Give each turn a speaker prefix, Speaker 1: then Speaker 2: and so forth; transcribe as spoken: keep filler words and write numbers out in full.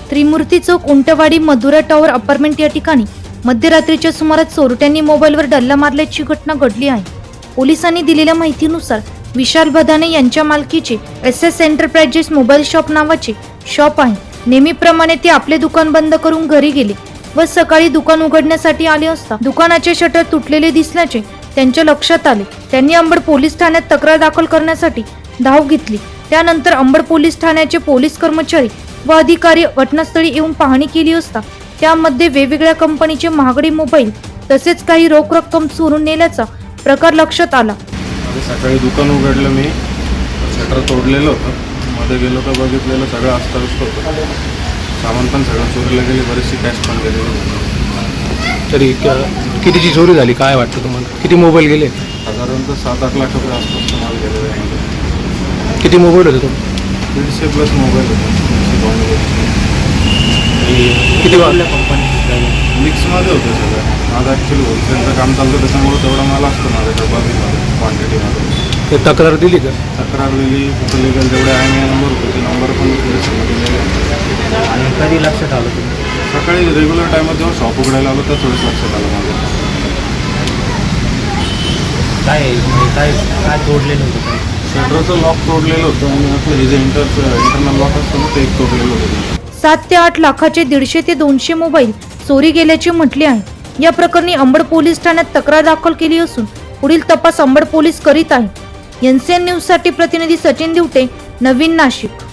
Speaker 1: त्रिमूर्ती चौक, Untwadi, Madhura tower apartment या ठिकाणी मध्यरात्रीच्या सुमारास चोरट्यांनी मोबाईलवर डल्ला मारल्याची घटना घडली आहे. पोलिसांनी दिलेल्या माहितीनुसार विशाल बदाने यांच्या मालकीचे S S enterprises mobile shop नावाचे शॉप आहे. नेहमीप्रमाणे ते आपले दुकान बंद करून घरी गेले व सकाळी दुकान उघडण्यासाठी आले असता दुकानाचे शटर तुटलेले दिसल्याचे त्यांच्या लक्षात आले. त्यांनी अंबड पोलीस ठाण्यात तक्रार दाखल करण्यासाठी धाव घेतली. त्यानंतर अंबड पोलीस ठाण्याचे पोलीस कर्मचारी व अधिकारी घटनास्थळी येऊन पाहणी केली असता त्यामध्ये वेगवेगळ्या कंपनीचे महागडे मोबाईल तसेच काही रोख रक्कम चोरून नेल्याचा प्रकार लक्षात आला.
Speaker 2: सकाळी दुकान उघडलं, मी शटर तोडलेलं होतं, मध्ये गेलो तर बघितलेलं सगळं अस्ताव्यस्त होतं. सामान पण सगळं चोरीला गेले, बरीचशी कॅश पण गेलेली.
Speaker 3: तरी क- कितीची चोरी झाली काय वाटतं तुम्हाला? किती मोबाईल गेले?
Speaker 2: साधारणतः सात आठ लाख रुपये आसपास माल गेलेला आहे.
Speaker 3: किती मोबाईल होते तुम्ही?
Speaker 2: दीडशे प्लस मोबाईल होते. दीडशे पाऊंड
Speaker 3: किती वा
Speaker 2: मिक्समध्ये होतं सगळं. माझं ॲक्च्युली होलसेलचं काम चालतं, त्याच्यामुळे तेवढा माल असतो माझ्या डब्बामध्ये क्वांटिटीमध्ये.
Speaker 3: ते तक्रार दिली का?
Speaker 2: तक्रार दिली, कुठं लिगल जेवढे आय एम आय नंबर होते ते नंबर पण पोलिसांना दिलेले.
Speaker 4: आणि कधी लक्षात आलं तुम्ही?
Speaker 2: सकाळी रेग्युलर टायमात जेव्हा शॉप उघडायला आलो तर थोडंच लक्षात आलं माझं.
Speaker 4: काय म्हणजे काय काय तोडलेलं होतं? काय
Speaker 2: शटरचं लॉक तोडलेलं होतं आणि आपलं हे जे इंटर इंटरनल लॉक असतं ना ते एक तोडलेलं होतं.
Speaker 1: सात ते आठ लाखाचे दीडशे ते दोनशे मोबाईल चोरी गेल्याचे म्हटले आहे. या प्रकरणी अंबड पोलीस ठाण्यात तक्रार दाखल केली असून पुढील तपास अंबड पोलीस करीत आहे. एन सी एन न्यूज साठी प्रतिनिधी सचिन दिवटे, नवीन, नाशिक.